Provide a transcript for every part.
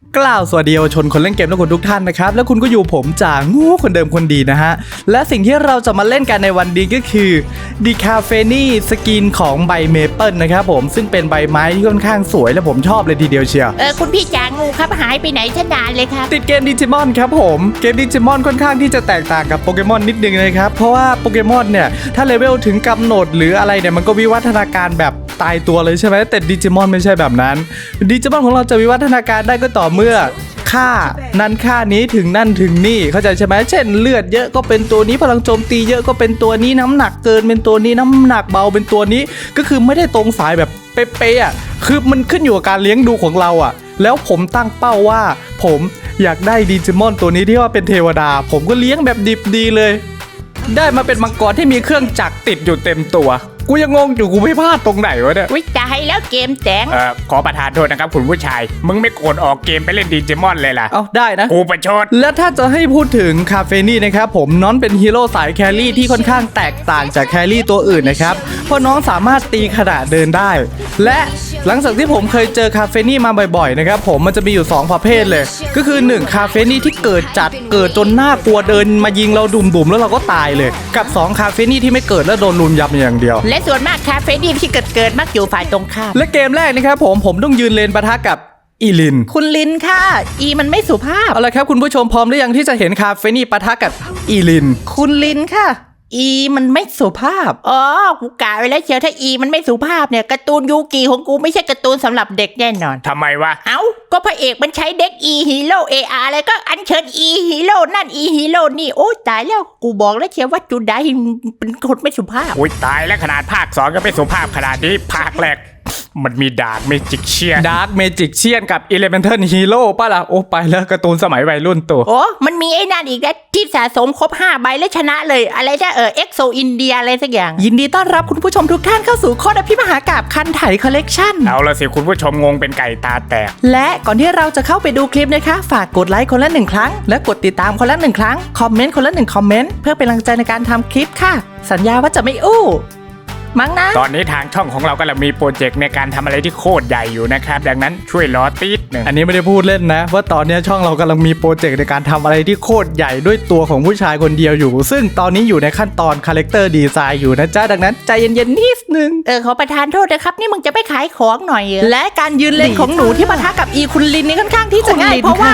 กล่าวสวัสดีเยาวชนคนเล่นเกมและคนทุกท่านนะครับและคุณก็อยู่ผมจ่างูคนเดิมคนดีนะฮะและสิ่งที่เราจะมาเล่นกันในวันนี้ก็คือดีคาเฟนี่สกินของใบเมเปิลนะครับผมซึ่งเป็นใบไม้ที่ค่อนข้างสวยและผมชอบเลยทีเดียวเชียวคุณพี่จ่างูครับหายไปไหนซะนานเลยครับติดเกมดิจิมอนครับผมเกมดิจิมอนค่อนข้างที่จะแตกต่างกับโปเกมอนนิดนึงนะครับเพราะว่าโปเกมอนเนี่ยถ้าเลเวลถึงกำหนดหรืออะไรเนี่ยมันก็วิวัฒนาการแบบตายตัวเลยใช่ไหมแต่ดิจิมอนไม่ใช่แบบนั้นดิจิมอนของเราจะวิวัฒนาการได้ก็ต่อเมื่อค่านั้นค่านี้ถึงนั่นถึงนี่เข้าใจใช่ไหมเช่นเลือดเยอะก็เป็นตัวนี้พลังโจมตีเยอะก็เป็นตัวนี้น้ำหนักเกินเป็นตัวนี้น้ำหนักเบาเป็นตัวนี้ก็คือไม่ได้ตรงสายแบบเป๊ะๆอ่ะคือมันขึ้นอยู่กับการเลี้ยงดูของเราอ่ะแล้วผมตั้งเป้าว่าผมอยากได้ดิจิมอนตัวนี้ที่ว่าเป็นเทวดาผมก็เลี้ยงแบบดิบดีเลยได้มาเป็นมังกรที่มีเครื่องจักรติดอยู่เต็มตัวกูยังงงอยู่กูไม่พลาดตรงไหนวะเนี่ยวิจายแล้วเกมแจงขอประทานโทษนะครับคุณผู้ชายมึงไม่โกรธออกเกมไปเล่นดิจิมอนเลยล่ะเอาได้นะกูประชดและถ้าจะให้พูดถึงคาเฟนี่นะครับผมน้องเป็นฮีโร่สายแครี่ที่ค่อนข้างแตกต่างจากแครี่ตัวอื่นนะครับเพราะน้องสามารถตีขณะเดินได้และหลังจากที่ผมเคยเจอคาเฟนี่มาบ่อยๆนะครับผมมันจะมีอยู่2ประเภทเลยก็คือ1คาเฟนี่ที่เกิดจนน่ากลัวเดินมายิงเราดุ่มๆแล้วเราก็ตายเลยกับ2คาเฟนี่ที่ไม่เกิดแล้วโดนลุมยำอย่างเดียวและส่วนมากคาเฟนี่ที่เกิดมักอยู่ฝ่ายตรงข้ามและเกมแรกนะครับผมต้องยืนเลนปะทะกับอีลินคุณลินค่ะอีมันไม่สุภาพเอาละครับคุณผู้ชมพร้อมหรือยังที่จะเห็นคาเฟนี่ปะทะกับอีลินคุณลินค่ะอีมันไม่สุภาพกูกะไว้แล้วเชียวถ้าอีมันไม่สุภาพเนี่ยการ์ตูนยูกิของกูไม่ใช่การ์ตูนสำหรับเด็กแน่นอนทำไมวะก็พระเอกมันใช้เด็กอีฮีโร่เออาร์อะไรก็อัญเชิญอีฮีโร่นั่นอีฮีโร่นี่โอ้ตายแล้วกูบอกแล้วเชียวว่าจูไดเป็นคนไม่สุภาพอุ้ยตายแล้วขนาดภาค2ก็ไม่สุภาพขนาดนี้ภาคแรกมันมีดาร์กเมจิกเชียนกับอิเลเมนทัลฮีโร่ป่ะล่ะโอ้ไปแล้วการ์ตูนสมัยวัยรุ่นตัวมันมีไอ้นั่นอีกนะที่สะสมครบ5ใบแล้วชนะเลยอะไรนะเอ็กโซอินเดียอะไรสักอย่างยินดีต้อนรับคุณผู้ชมทุกท่านเข้าสู่โคตรพิมหากาพย์คันไถคอลเลกชันเอาละสิคุณผู้ชมงงเป็นไก่ตาแตกและก่อนที่เราจะเข้าไปดูคลิปนะคะฝากกดไลค์คนละ1ครั้งและกดติดตามคนละ1ครั้งคอมเมนต์คนละ1คอมเมนต์เพื่อเป็นกำลังใจในการทำคลิปค่ะสัญญาว่าจะไม่อู้มั้งนะตอนนี้ทางช่องของเรากำลังมีโปรเจกต์ในการทำอะไรที่โคตรใหญ่อยู่นะครับดังนั้นช่วยรอติดหนึ่งอันนี้ไม่ได้พูดเล่นนะว่าตอนนี้ช่องเรากำลังมีโปรเจกต์ในการทำอะไรที่โคตรใหญ่ด้วยตัวของผู้ชายคนเดียวอยู่ซึ่งตอนนี้อยู่ในขั้นตอนคาแรคเตอร์ดีไซน์อยู่นะจ๊ะดังนั้นใจเย็นๆนิดนึงขอประทานโทษนะครับนี่มึงจะไปขายของหน่อยและการยืนเลนของหนูที่ปะทะกับอีคุณลินนี่ค่อนข้างที่จะง่ายเพราะว่า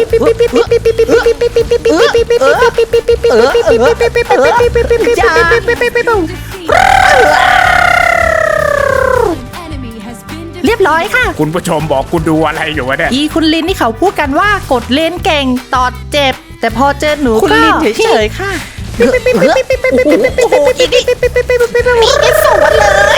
เรียบร้อยค่ะคุณผู้ชมบอกกูดูอะไรอยู่วะเนี่ยอีคุณลินนี่เขาพูดกันว่ากดเลนเก่งตอดเจ็บแต่พอเจอหนูคุณลินเฉยๆค่ะมีกันสวนเลย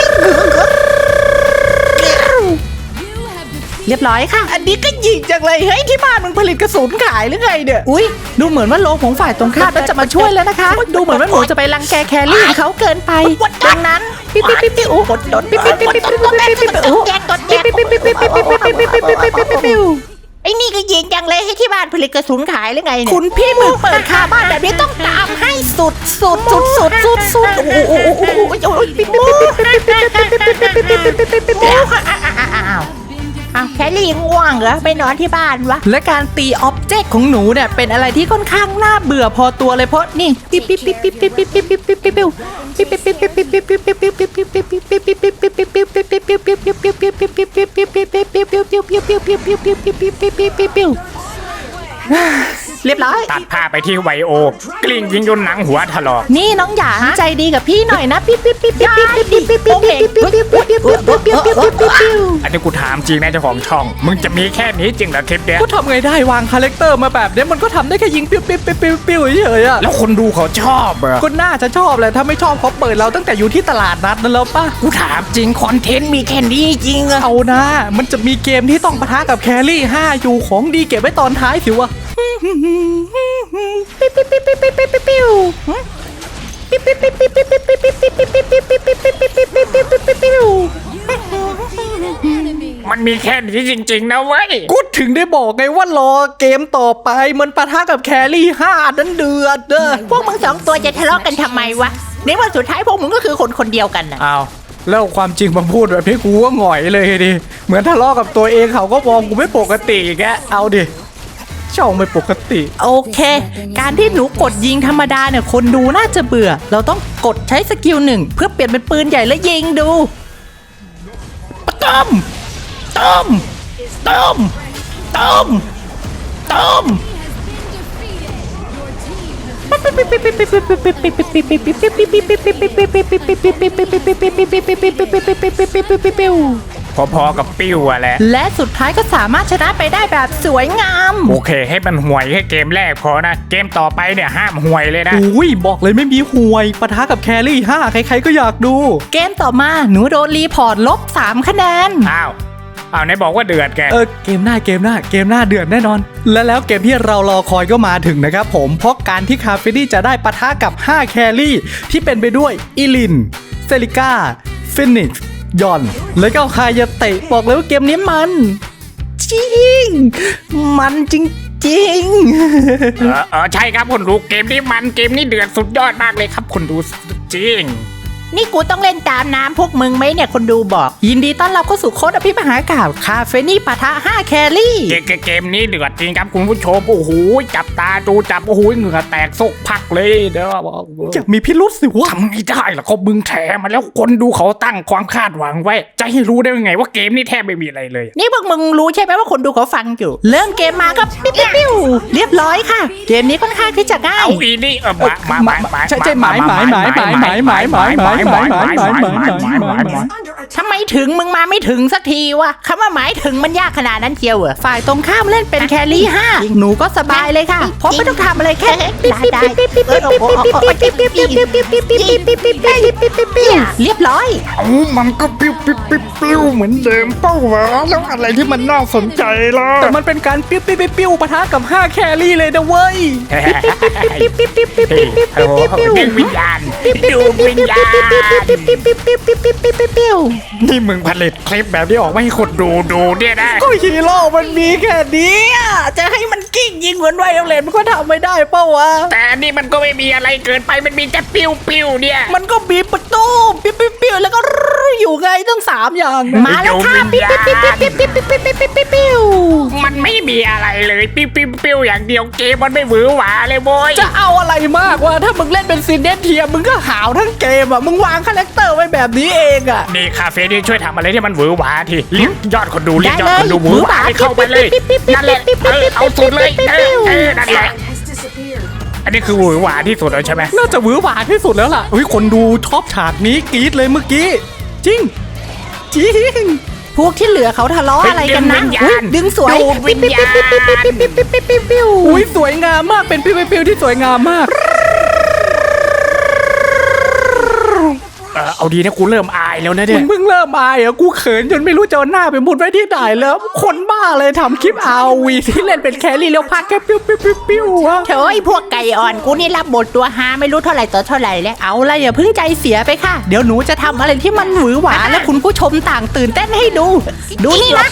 เรียบร้อยค่ะอันนี้ก็ยิงจังเลยเฮ้ยที่บ้านมึงผลิตกระสุนขายหรือไงเนี่ยอุ้ยดูเหมือนว่าโลของฝ่ายตรงข้ามจะมาช่วยแล้วนะคะดูเหมือนว่าหนูจะไปรังแกแครี่เขาเกินไปดังนั้นปิ๊บกดโดนปิ๊บไอ้นี่ก็ยิงจังเลยให้ที่บ้านผลิตกระสุนขายหรือไงเนี่ยคุณพี่มึงเปิดคาบ้านแบบนี้ต้องตามให้สุดแคลรี่ง่วงเหรอไปนอนที่บ้านวะและการตีอ็อบเจกต์ของหนูเนี่ยเป็นอะไรที่ค่อนข้างน่าเบื่อพอตัวเลยเพราะนี่เรียบร้อยตัดผ้าไปที่ไวโอกลิ้งยิงจนหนังหัวถลอกนี่น้องหยางใจดีกับพี่หน่อยนะอันนี้กูถามจริงนะเจ้าของช่องมึงจะมีแค่นี้จริงเหรอคลิปเนี้ยก็ทำไงได้วางคาแรคเตอร์มาแบบนี้มันก็ทำได้แค่ยิงปิ้วเฉยๆอะแล้วคนดูเขาชอบอะก็น่าจะชอบแหละถ้าไม่ชอบเขาเปิดเราตั้งแต่อยู่ที่ตลาดนัดนั่นแล้วป่ะกูถามจริงคอนเทนต์มีแค่นี้จริงอะเอานะมันจะมีเกมที่ต้องปะทะกับแครี่5อยู่ของดีเก็บไว้ตอนท้ายสิวะมันมีแค่นี้จริงๆนะเว้ยกูถึงได้บอกไงว่ารอเกมต่อไปมันปะทะกับแครี่5นั้นเดือดพวกมึง2ตัวจะทะเลาะกันทำไมวะในวันสุดท้ายพวกมึงก็คือคนเดียวกันนะอ้าวแล้วความจริงมาพูดแบบนี้กูก็หงอยเลยดิเหมือนทะเลาะกับตัวเองเขาก็มองกูไม่ปกติแกเอาดิช่องไม่ปกติโอเค การที่หนูกดยิงธรรมดาเนี่ยคนดูน่าจะเบื่อ เราต้องกดใช้สกิล1เพื่อเปลี่ยนเป็นปืนใหญ่แล้วยิงดูต้มต้มต้มต้มต้มพอๆกับปิ้วอะแหละและสุดท้ายก็สามารถชนะไปได้แบบสวยงามโอเคให้มันห่วยแค่เกมแรกพอนะ เกมต่อไปเนี่ยห้ามห่วยเลยนะอุ้ยบอกเลยไม่มีห่วยปะทะกับแครี่5ใครๆก็อยากดูเกมต่อมาหนูโดนรีพอร์ตลบ3คะแนนอ้าวไหนบอกว่าเดือดแกเกมหน้าเดือดแน่นอน แล้วเกมที่เรารอคอยก็มาถึงนะครับผมเพราะการที่คาเฟนี่จะได้ปะทะกับ5แครี่ที่เป็นไปด้วยอิลินเซลิก้าฟินิกซ์ยอนแล้วก็คายาเตะบอกเลยว่าเกมนี้มันจริงมันจริงใช่ครับคุณดูเกมนี้มันเกมนี้เดือดสุดยอดมากเลยครับคุณดูจริงนี่กูต้องเล่นตามน้ำพวกมึงไหมเนี่ยคนดูบอก ยินดีต้อนรับเข้าสู่โค้ดอภิมหากาพย์คาเฟนี่ปะทะ5แครี่เกมนี้เดือดจริงครับคุณผู้ชมโอ้โหจับตาดูจับโอ้โหเหงื่อแตกซกพักเลยเด้อๆจะมีพิรุษสิวะทำไม่ได้หรอกเขามึงแถมาแล้วคนดูเขาตั้งความคาดหวังไว้ จะให้รู้ได้ยังไงว่าเกมนี้แทบไม่มีอะไรเลยนี่พวกมึงรู้ใช่ไหมว่าคนดูเขาฟังอยู่ เริ่มเกมมาก็ปิ๊บปิ๊บปิ๊วเรียบร้อยค่ะ เกมนี้ค่อนข้างที่จะง่ายเอาอีนี่ทำไมถึงมึงมาไม่ถึงสักทีวะคำว่าหมายถึงมันยากขนาดนั้นเชียวเหรอฝ่ายตรงข้ามเล่นเป็นแครี่5หนูก็สบายเลยค่ะเพราะไม่ต้องทำอะไรแค่เรียบร้อยมันก็ปิ้วเหมือนเดิมเป้าวะแล้วอะไรที่มันน่าสนใจล่ะแต่มันเป็นการปิ้วปะทะกับ5แครี่เลยนะเว้ยดึงวิญญาณดูวิญญาณนี่มึงผลิตคลิปแบบนี้ออกมาให้คนดูเนี่ยนะก็ฮีโร่มันมีแค่นี้จะให้มันกิ้งยิงเหมือนไวโอเลนมันก็ทำไม่ได้เป้าวะแต่อันนี่มันก็ไม่มีอะไรเกินไปมันมีแต่ปิ้วเนี่ยมันก็บีบประตูปิ้วแล้วก็อยู่ไงตั้ง3อย่างนะมาแล้วค่ะปิ้วมันไม่มีอะไรเลยปิ้วอย่างเดียวเกมมันไม่หวือหวาเลยโว้ยจะเอาอะไรมากวะถ้ามึงเล่นเป็นซินเดนเทียมึงก็หาวทั้งเกมอ่ะมึงวางคาแรคเตอร์ไว้แบบนี้เองอ่ะนี่คาเฟ่นี่ช่วยทำอะไรที่มันหวือหวาทีเรียกยอดคนดูเรียกยอดคนดูหวือหวาให้เข้าไปเลยนั่นแหละเอาสุดเลยนั่นแหละอันนี้คือหวือหวาที่สุดแล้วใช่ไหมน่าจะหวือหวาที่สุดแล้วล่ะคนดูชอบฉากนี้กรี๊ดเลยเมื่อกี้จริงพวกที่เหลือเขาทะเลาะอะไรกันนะดึงสวยดูวิญญาณอุ้ยสวยงามมากเป็นปิ้วที่สวยงามมากเอาดีนะกูเริ่มอายแล้วนะเนี่ยมึงเพิ่งเริ่มอายเหรอกูเขินจนไม่รู้จะเอาหน้าไปมุดไว้ที่ไหนแล้ว คนบ้าเลยทำคลิปอาวีที่เล่นเป็นแครี่แล้วพักแค่ปิ้วอะเถอะไอ้พวกไก่อ่อนกูนี่รับบทตัวฮาไม่รู้เท่าไหร่ต่อเท่าไหร่แล้วเอาละอย่าเพิ่งใจเสียไปค่ะเดี๋ยวหนูจะทำอะไรที่มันหวือหวาและคุณผู้ชมต่างตื่นเต้นให้ดูดูนี่นะ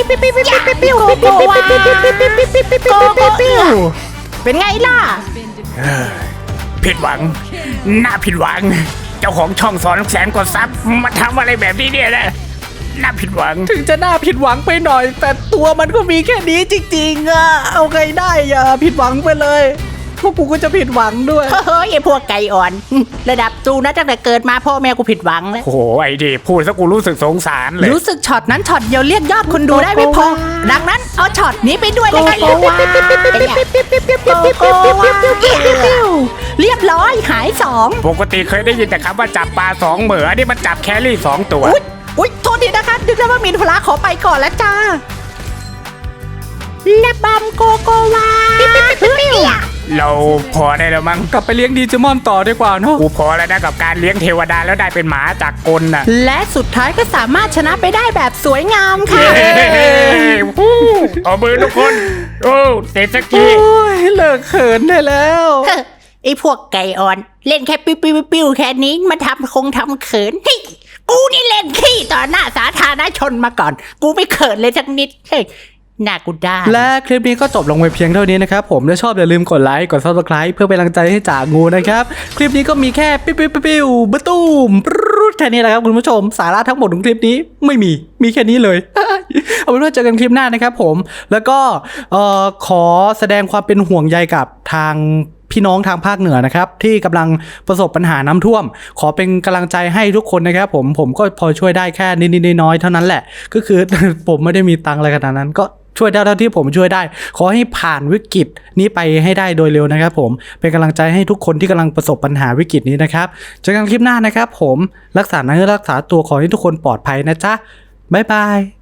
เป็นไงล่ะผิดหวังน่าผิดหวังเจ้าของช่อง200,000 กว่าซับมาทำอะไรแบบนี้เนี่ยนะน่าผิดหวังถึงจะน่าผิดหวังไปหน่อย แต่ตัวมันก็มีแค่นี้จริงๆอะเอาไงได้อย่าผิดหวังไปเลยพวกกูก็จะผิดหวังด้วยเฮ้ยไอ้พวกไก่อ่อนระดับจูนะตั้งแต่เกิดมาพ่อแม่กูผิดหวังแล้วโอ้โหไอ้ดิพูดซะกูรู้สึกสงสารเลยรู้สึกช็อตนั้นช็อตเดียวเรียกยอดคนดูได้ไม่พอดังนั้นเอาช็อตนี้ไปด้วยแล้วกันเรียบร้อยหาย2 ปกติเคยได้ยินแต่คำว่าจับปลา2 เหมืออันนี้มันจับแครี่2 ตัวอุ๊ยโทษทีนะคะดึกแล้วว่ามีธุระขอไปก่อนแล้วจ้าและบัมโกโกวาเราพอได้แล้วมั้งกลับไปเลี้ยงดีเจมอนต่อดีกว่าเนาะกูพอแล้วนะกับการเลี้ยงเทวดาแล้วได้เป็นหมาจากกลน่ะและสุดท้ายก็สามารถชนะไปได้แบบสวยงามค่ะเอามือทุกคนโอ้เสร็จสักทีโอ้ยเลิกเขินได้แล้วไอ้พวกไก่อ่อนเล่นแค่ปิ้วแค่นี้มาทำเขินเฮ้ยกูนี่เล่นขี้ต่อหน้าสาธารณชนมาก่อน กูไม่เขินเลยสักนิดเฮ้ยหน้ากูได้และคลิปนี้ก็จบลงไปเพียงเท่านี้นะครับผมถ้าชอบอย่าลืมกดไลค์กด Subscribe เพื่อเป็นกำลังใจให้จ่างูนะครับคลิปนี้ก็มีแค่ปิ้วบะตูมปรุแค่นี้แหละครับคุณผู้ชมสาระทั้งหมดของคลิปนี้ไม่มีแค่นี้เลย เอาเป็นว่าเจอกันคลิปหน้านะครับผมแล้วก็ขอแสดงความเป็นห่วงใยกับทางพี่น้องทางภาคเหนือนะครับที่กำลังประสบปัญหาน้ำท่วมขอเป็นกำลังใจให้ทุกคนนะครับผมก็พอช่วยได้แค่นิดๆน้อยๆเท่านั้นแหละก็คือ ผมไม่ได้มีตังค์อะไรขนาดนั้นก็ช่วยได้เท่าที่ผมช่วยได้ขอให้ผ่านวิกฤตนี้ไปให้ได้โดยเร็วนะครับผมเป็นกำลังใจให้ทุกคนที่กำลังประสบปัญหาวิกฤตนี้นะครับเจอกันคลิปหน้านะครับผมรักษาเนื้อรักษาตัวขอให้ทุกคนปลอดภัยนะจ๊ะบ๊ายบาย